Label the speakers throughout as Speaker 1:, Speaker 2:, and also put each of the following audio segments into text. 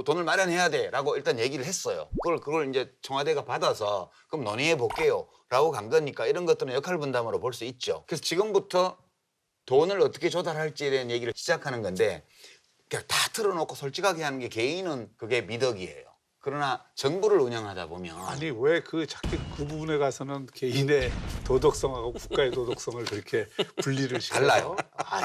Speaker 1: 돈을 마련해야 돼라고 일단 얘기를 했어요. 그걸 이제 청와대가 받아서 그럼 논의해 볼게요라고 간 거니까 이런 것들은 역할 분담으로 볼 수 있죠. 그래서 지금부터 돈을 어떻게 조달할지에 대한 얘기를 시작하는 건데 그냥 다 틀어놓고 솔직하게 하는 게 개인은 그게 미덕이에요. 그러나 정부를 운영하다 보면
Speaker 2: 아니 왜 자꾸 그 부분에 가서는 개인의 도덕성하고 국가의 도덕성을 그렇게 분리를 시켜요?
Speaker 1: 달라요.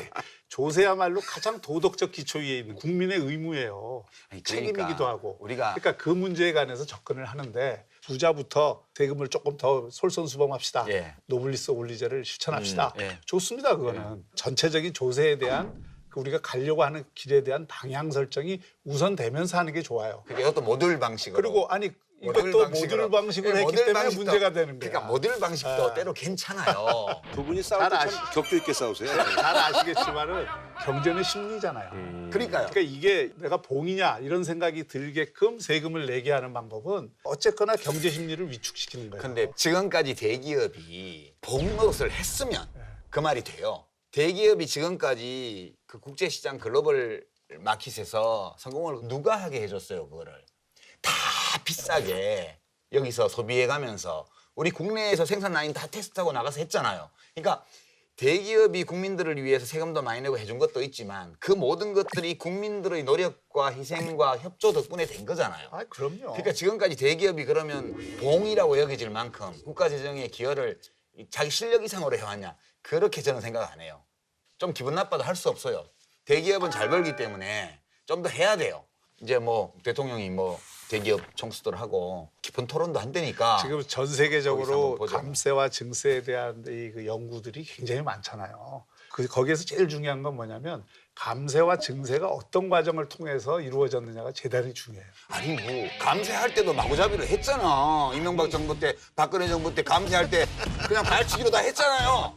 Speaker 2: 조세야말로 가장 도덕적 기초 위에 있는 국민의 의무예요.
Speaker 1: 아니, 그러니까
Speaker 2: 책임이기도 하고.
Speaker 1: 우리가
Speaker 2: 그러니까 그 문제에 관해서 접근을 하는데 부자부터 세금을 조금 더 솔선수범합시다.
Speaker 1: 예.
Speaker 2: 노블리스 올리제를 실천합시다.
Speaker 1: 예.
Speaker 2: 좋습니다. 그거는. 전체적인 조세에 대한 우리가 가려고 하는 길에 대한 방향 설정이 우선되면서 하는 게 좋아요.
Speaker 1: 그게 이것도 모듈 방식으로.
Speaker 2: 그리고 아니 이것도 모듈 방식으로 했기
Speaker 1: 모듈
Speaker 2: 때문에
Speaker 1: 방식도,
Speaker 2: 문제가 되는 거야.
Speaker 1: 그러니까 모듈 방식도 때로 괜찮아요.
Speaker 3: 두 분이 싸울 때 참 격조 있게 싸우세요.
Speaker 2: 잘 아시겠지만은 경제는 심리잖아요.
Speaker 1: 그러니까요.
Speaker 2: 그러니까 이게 내가 봉이냐 이런 생각이 들게끔 세금을 내게 하는 방법은 어쨌거나 경제 심리를 위축시키는 거예요.
Speaker 1: 근데 지금까지 대기업이 복노릇을 했으면 그 말이 돼요. 대기업이 지금까지 그 국제시장 글로벌 마켓에서 성공을 누가 하게 해줬어요, 그거를. 다 비싸게 여기서 소비해 가면서 우리 국내에서 생산 라인 다 테스트하고 나가서 했잖아요. 그러니까 대기업이 국민들을 위해서 세금도 많이 내고 해준 것도 있지만 그 모든 것들이 국민들의 노력과 희생과 협조 덕분에 된 거잖아요.
Speaker 2: 아, 그럼요.
Speaker 1: 그러니까 지금까지 대기업이 그러면 봉이라고 여겨질 만큼 국가 재정에 기여를 자기 실력 이상으로 해왔냐? 그렇게 저는 생각 안 해요. 좀 기분 나빠도 할 수 없어요. 대기업은 잘 벌기 때문에 좀 더 해야 돼요. 이제 뭐 대통령이 뭐 대기업 총수들 하고 깊은 토론도 한다니까.
Speaker 2: 지금 전
Speaker 1: 거기서
Speaker 2: 세계적으로
Speaker 1: 한번 보죠.
Speaker 2: 감세와 증세에 대한 그 연구들이 굉장히 많잖아요. 거기에서 제일 중요한 건 뭐냐면 감세와 증세가 어떤 과정을 통해서 이루어졌느냐가 대단히 중요해요.
Speaker 1: 아니 뭐 감세할 때도 마구잡이로 했잖아. 이명박 정부 때, 박근혜 정부 때 감세할 때 그냥 발치기로 다 했잖아요.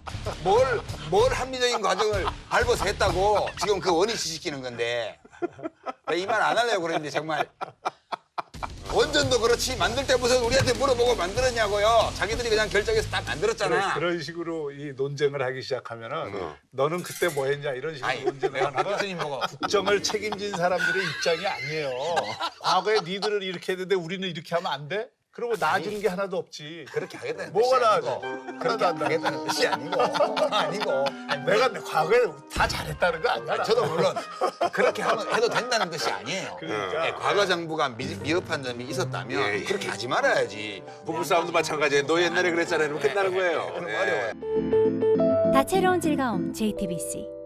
Speaker 1: 뭘 합리적인 과정을 밟아서 했다고 지금 그 원위치시키는 건데 이 말 안 하려고 그랬는데 정말 원전도 그렇지 만들 때 무슨 우리한테 물어보고 만들었냐고요. 자기들이 그냥 결정해서 다 만들었잖아.
Speaker 2: 그런 식으로 이 논쟁을 하기 시작하면은 너는 그때 뭐 했냐 이런 식으로
Speaker 1: 아니,
Speaker 2: 논쟁을
Speaker 1: 내가
Speaker 2: 하는
Speaker 1: 박
Speaker 2: 건
Speaker 1: 교수님 보고
Speaker 2: 국정을 책임진 사람들의 입장이 아니에요. 과거에 니들은 이렇게 했는데 우리는 이렇게 하면 안 돼? 그러고 나아지는 게 하나도 없지.
Speaker 1: 그렇게 하겠다는
Speaker 2: 뭐가
Speaker 1: 뜻이 아니고
Speaker 2: 나아져?
Speaker 1: 그렇게
Speaker 2: 하나도 안
Speaker 1: 하겠다는 뜻이 아니고
Speaker 2: 내가 과거에 다 잘했다는 거 아니야?
Speaker 1: 저도 물론 그렇게 해도 된다는 뜻이 아니에요.
Speaker 2: 그러니까.
Speaker 1: 예, 과거 정부가 미흡한 점이 있었다면
Speaker 3: 예, 예.
Speaker 1: 그렇게 하지 말아야지.
Speaker 3: 부부싸움도 마찬가지예요. 너 옛날에 그랬잖아요. 이러면 끝나는 거예요.
Speaker 1: 그럼
Speaker 3: 네.
Speaker 1: 어려워요.
Speaker 4: 다채로운 즐거움 JTBC